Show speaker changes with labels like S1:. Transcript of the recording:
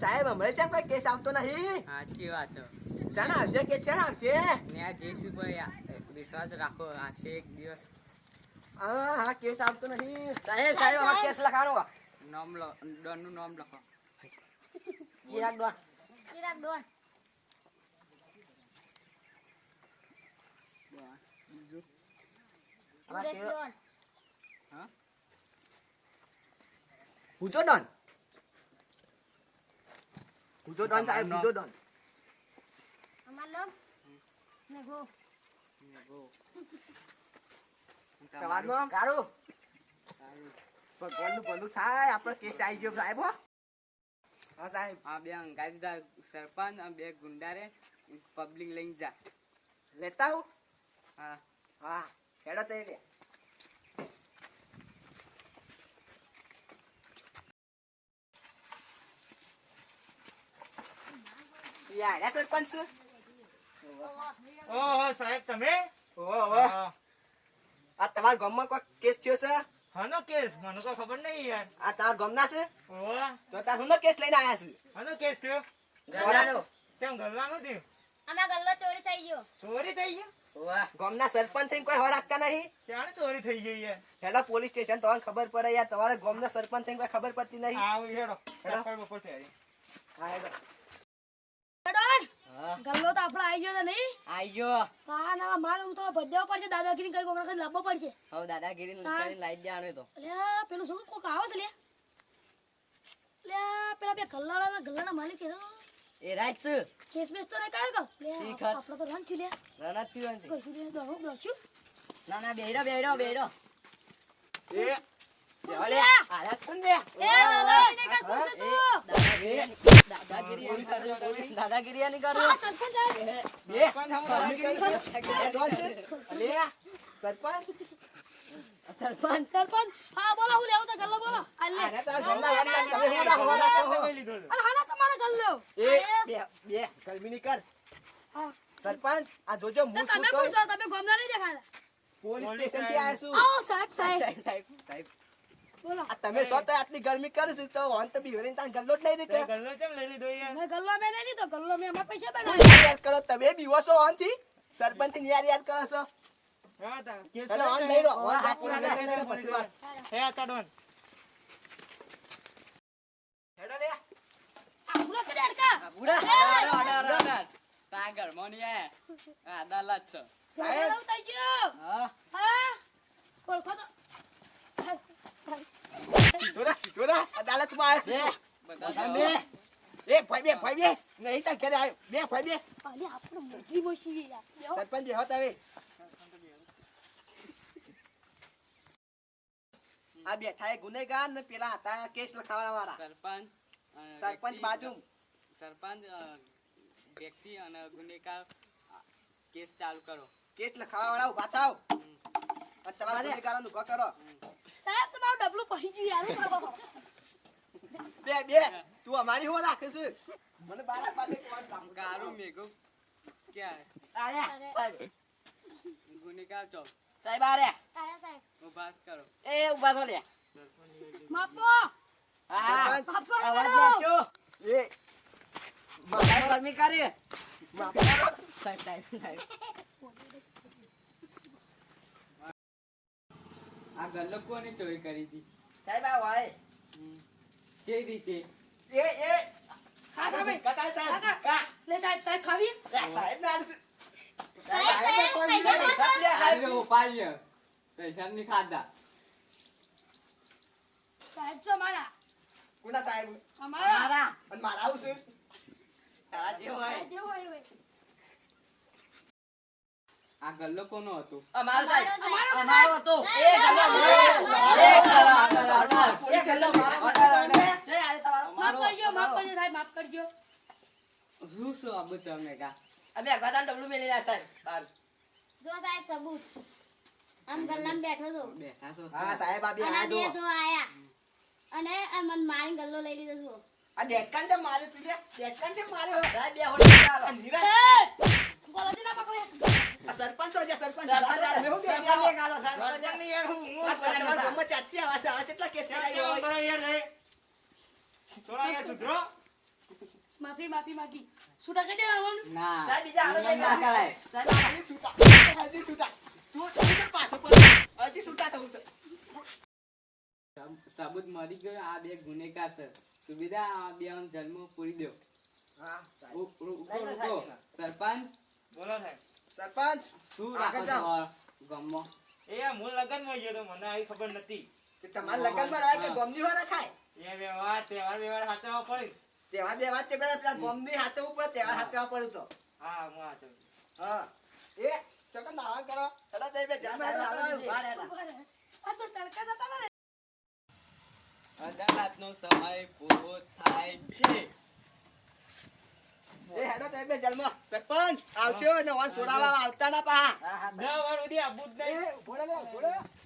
S1: સાહેબ હમણાં કેમ કોઈ કેસ આવતો નહીં?
S2: સાચી વાત છે.
S1: શાના આવશે કે શાના આવશે?
S2: ને જયસુભાઈ વિશ્વાસ રાખો આવશે એક દિવસ.
S1: હા કેસ આવતો નહીં.
S3: સાહેબ આમાં કેસ લખાણો
S2: ડોનનું નામ લખો.
S3: ચિરાગ ડોન.
S2: હા
S1: પૂછો ડોન સાહેબ, પૂછો ડોન. તમારું નામ?
S3: કાળુ.
S1: ભગવાનનું ભલું થાય, આપણે કેસ આવી ગયો સાહેબ. હો હા સાહેબ.
S2: આ બે અંગાઈ દીધા સરપંચ અને બે ગુંડારે પબ્લિક લઈને જા.
S1: લેતા હું.
S2: હા
S1: હા હેડો તઈ રે. યા સરપંચ.
S4: ઓહો સાહેબ તમે
S1: ઓહો આ તમારા ગામમાં કોઈ કેસ થયો છે?
S4: હનો કેસ મને તો ખબર નહીં યાર.
S1: આ તમારા ગામના છે?
S4: ઓહો
S1: તો તાર હુંનો કેસ લઈને આયા છે?
S4: હનો કેસ થયો
S3: ગલ્લાનો.
S4: કેમ ગલ્લાનું થયું?
S5: આમાં ગલ્લો ચોરી થઈ ગયો.
S4: ચોરી થઈ ગઈ?
S3: વાહ.
S1: ગામના સરપંચ થઈને કોઈ હવા રાખતા નહીં?
S4: ચાણે ચોરી થઈ ગઈ યાર?
S1: હેડા પોલીસ સ્ટેશન તમને ખબર પડે યાર. તમારા ગામના સરપંચ થઈને કોઈ ખબર પડતી નહીં.
S4: આવ હેડો ચપ્પલ બપોર થઈ
S1: હા હેડો.
S3: હા
S5: ગલ્લો તો આપણો આવી ગયો તો નહીં.
S3: આઈ ગયો.
S5: હા ના માલ હું તો ભજ્યો પડશે દાદાગીરી કઈ કોકડા કઈ લાવવો પડશે.
S3: હવે દાદાગીરી કરીને લાઈ દેવાનો તો.
S5: અલ્યા પેલું શું કોક આવે છે લે. અલ્યા પેલા બે ગલ્લાના માલિક એ
S3: એ રાઈટ છે.
S5: કેસ બેસ તો નહીં કાઢ લે.
S3: શીખર.
S5: આપણો તો રન છું લે.
S3: રણત થયું નથી.
S5: કશું લે દોડો દોડશું.
S3: ના ના બેડો
S1: એ દેવા લે. આયા છે ને.
S5: એ દાદાગીરી કઈ કરશે તું.
S3: દાદાગીરી નહીં કરો.
S5: આ સરપંચ આવે.
S1: બે અલે સરપંચ.
S5: સરપંચ હા બોલો હું લેવું તો ગલ્લો બોલો. અલે
S1: અરે તાર ગામના વાળા તમે હું હવા રાખો.
S4: લઈ લીધો
S5: અરે હાના તમારો ગલ્લો.
S1: એ બે ગલમીની કર.
S5: હા
S1: સરપંચ આ જોજો
S5: તો
S1: હું
S5: તમે
S1: શું કહું.
S5: પૂછો તમે ગોમના નહીં દેખાતા.
S1: પોલીસ સ્ટેશન થી આયા છું.
S5: આવો સાહેબ સાહેબ
S3: સાહેબ
S5: બોલો.
S1: આ તમે સો તો આટલી ગરમી કરશે તો વાન તો બીવરીને તાન ગલ્લો જ લઈ દે કે.
S4: ગલ્લો કેમ લઈ લીધો યાર?
S5: મેં ગલ્લો મેં નહીં લીધો ગલ્લો મેં અમારા પૈસા બનાવ્યા.
S1: યાદ કરો તમે બીવો છો વાન થી. સરપંચ થી યાદ કરો છો.
S4: હા તા કેસ
S1: હેડો વાન લઈ લો. વાન
S3: હા,
S1: પૂરા લઈ લે પછી વાત.
S4: હે આ ચાડોન
S1: હેડો લે.
S5: આ પૂરો છે ડેડકા.
S3: પૂરા સાગર મોની અદાલત છે.
S1: સાહેબ.
S5: ગલ્લો થઈ ગયો.
S3: હા
S5: હા ઓળખો તો
S1: જોડા અદાલતમાં આવ્યા છે.
S3: બધા
S1: તમે એ ભાઈ બે નહીં તાર ઘરે આવ્યો. બે ભાઈ બે
S5: અલે આપણો મોટી મોશી યાર લ્યો.
S1: સરપંચ જે હતા હવે આ બેઠા એ ગુનેગાર ને પેલા હતા કેસ લખાવવા વાળા.
S2: સરપંચ
S1: સરપંચ બાજુ
S2: સરપંચ વ્યક્તિ અને ગુનેગાર કેસ ચાલુ કરો.
S1: કેસ લખાવવા વાળા ઉભા થાવ અને તમારા ગુનેગારોને ઉભા કરો.
S5: સાહેબ તમારું ડબલું પડી ગયું યાર શું કરો?
S1: બે તું અમારી હો રાખે છે. મને બાળક પાસે કોણ કામ
S2: કારું મેઘો ક્યાં
S3: આયા
S2: ગુનેગાર ચોક
S3: સાહેબ આરે
S5: આયા સાહેબ
S2: ઉભા કરો.
S3: એ ઉભા થો લે.
S5: માપો
S3: હા
S1: સરપંચ.
S5: માપો
S3: અવાજ
S5: કરો.
S3: નાચો.
S1: એ
S3: સાહેબ ગરમી કરી.
S1: માફી
S3: સાહેબ
S2: આ ગલ્લો કોને ચોરી કરી હતી?
S3: સાહેબ આ વાય
S2: કેવી રીતે?
S1: એ
S5: હા ભાઈ
S1: કાકા સાહેબ કા
S5: લે સાહેબ ખાવી
S1: સાહેબ ના આલશે.
S2: આવ્યો ઉપાડ્યો પૈસા નહીં ખાધા.
S5: સાહેબ છો મારા
S1: કોના સાહેબ
S5: અમારા
S3: મારા
S1: અને મારા આવું છે.
S3: તારા જેવો હોય.
S5: જે હોય હોય
S2: આ ગલ્લો કોનો હતો?
S3: અમારો સાહેબ
S5: અમારો
S3: અમારો હતો. એ ગલ્લો
S5: માફ કરજો સાહેબ માફ કરજો.
S2: શું શું આ બધું અમે કા?
S3: અમે અગવાદાન ડબલું મેલી રહ્યા સાહેબ બહાર.
S6: જો સાહેબ સબૂત આમ ગલ્લામાં બેઠો તો
S2: બેઠા છો?
S1: હા સાહેબ આ બે
S6: અને
S1: આ
S6: બે
S1: જો
S6: તો આયા અને આ મન મારી ગલ્લો લઈ લીધો છું.
S1: આ ડેટકાન જે મારે પીડે ડેટકાન જે મારે
S3: સાહેબ બે હોડી ચાલો.
S1: આ નીરજ
S5: ગોલાજી ના પકડે
S1: આ સરપંચ છે સરપંચ
S3: સરપંચ
S1: તમે હું બે
S3: સરપંચ ગાલો સરપંચ.
S4: સરપંચ ની યાર હું
S1: આ તમારા ગામમાં ચાટકી આવા છે આ કેટલા કેસ કરાયો
S4: કરો યાર રે. થોડા યાર સુધરો.
S5: માફી માગી છૂટા કરી દેવાનું
S2: ના
S3: સાહેબ, બીજા હાલો
S2: એમ ના કરાય.
S1: હજી છૂટા હજી છૂટા તું હજી પાછો પડ હજી છૂટા થવું છે
S2: સબૂત મળી ગયો આ બે ગુનેગાર છે સુવિધા આ બે જન્મ પૂરી દો
S1: હા
S2: સરપંચ
S4: બોલો સાહેબ.
S2: સરપંચ શું રાખો
S1: આગળ
S2: છો
S1: જાઓ.
S2: ગામમાં
S4: એ હું લગનમાં ગયો તો મને આવી ખબર નથી.
S1: કે તમારે લગનમાં રહે કે ગમની વાળા ખાય
S4: એ વ્યવહાર તહેવાર સાચવવા પડે.
S1: તહેવાર બેવાર તે પેલા ગમની હાચવવું પડે તહેવાર હાચવવા પડે તો
S4: હા હું સાચવું.
S1: હા એ ચકન નાવા કરો હેડા જઈ બે જન્મ હેડો
S3: સાહેબ,
S1: કરો.
S3: ઉભા રહેલા.
S5: આ તો તડકા જતા ને
S2: અદાલતનો સમય પૂરો થાય છે
S1: એ હેડો જઈ બે જન્મ સરપંચ આવજો ને વાન સોડાવા આવતા ના પા
S3: હા, હા,
S4: દસ વાર સુધી આબુ જ નહીં.
S1: એ ભોળે લે ભોળે